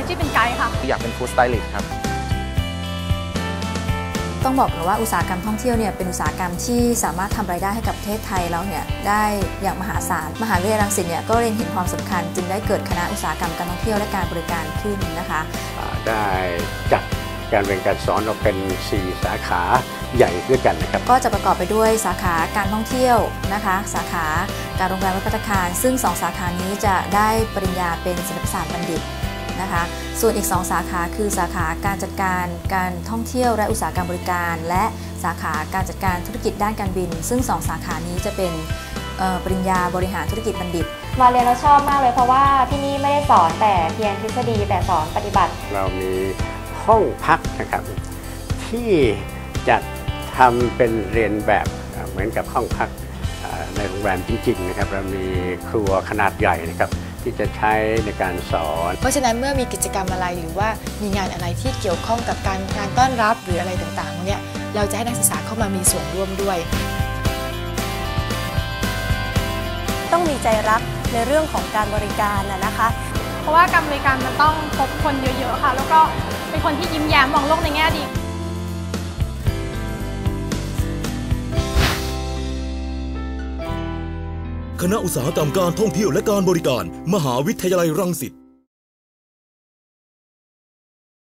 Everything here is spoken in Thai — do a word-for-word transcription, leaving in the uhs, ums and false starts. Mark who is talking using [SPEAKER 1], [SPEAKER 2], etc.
[SPEAKER 1] ชีพเป็นไกด์ค่ะ
[SPEAKER 2] อยากเป็นฟู้ดสไตลิสต์ครับ
[SPEAKER 3] ต้องบอกเลยว่าอุตสาหกรรมท่องเที่ยวเนี่ยเป็นอุตสาหกรรมที่สามารถทำรายได้ให้กับประเทศไทยเราเนี่ยได้อย่างมหาศาลมหาวิทยาลัยรังสิตเนี่ยก็เล็งเห็นความสำคัญจึงได้เกิดคณะอุตสาหกรรมการท่องเที่ยวและการบริการขึ้นนะคะ
[SPEAKER 4] ได้จัดการเรียนการสอนออกเป็นสี่สาขาใหญ่ด้วยกันนะครับ
[SPEAKER 3] ก็จะประกอบไปด้วยสาขาการท่องเที่ยวนะคะสาขาการโรงแรมและภัตตาคารซึ่งสองสาขานี้จะได้ปริญญาเป็นศิลปศาสตร์บัณฑิตนะคะส่วนอีกสองสาขาคือสาขาการจัดการการท่องเที่ยวและอุตสาหกรรมบริการและสาขาการจัดการธุรกิจด้านการบินซึ่งสองสาขานี้จะเป็นปริญญาบริหารธุรกิจบัณฑิต
[SPEAKER 5] มาเรียนแล้วชอบมากเลยเพราะว่าที่นี่ไม่ได้สอนแต่เพียงทฤษฎีแต่สอนปฏิบัติ
[SPEAKER 4] เรามีห้องพักนะครับที่จะทำเป็นเรียนแบบเหมือนกับห้องพักในโรงแรมจริงๆนะครับเรามีครัวขนาดใหญ่นะครับที่จะใช้ในการสอน
[SPEAKER 6] เพราะฉะนั้นเมื่อมีกิจกรรมอะไรหรือว่ามีงานอะไรที่เกี่ยวข้องกับการงานต้อนรับหรืออะไรต่างๆเนี่ยเราจะให้นักศึกษาเข้ามามีส่วนร่วมด้วย
[SPEAKER 7] ต้องมีใจรักในเรื่องของการบริการนะคะ
[SPEAKER 1] เพราะว่าการบริการมันต้องพบคนเยอะๆค่ะแล้วก็เป็นคนที่ยิ้มแย้มมองโลกในแง่ดี
[SPEAKER 8] คณะอุตสาหกรรมการท่องเที่ยวและการบริการมหาวิทยาลัยรังสิต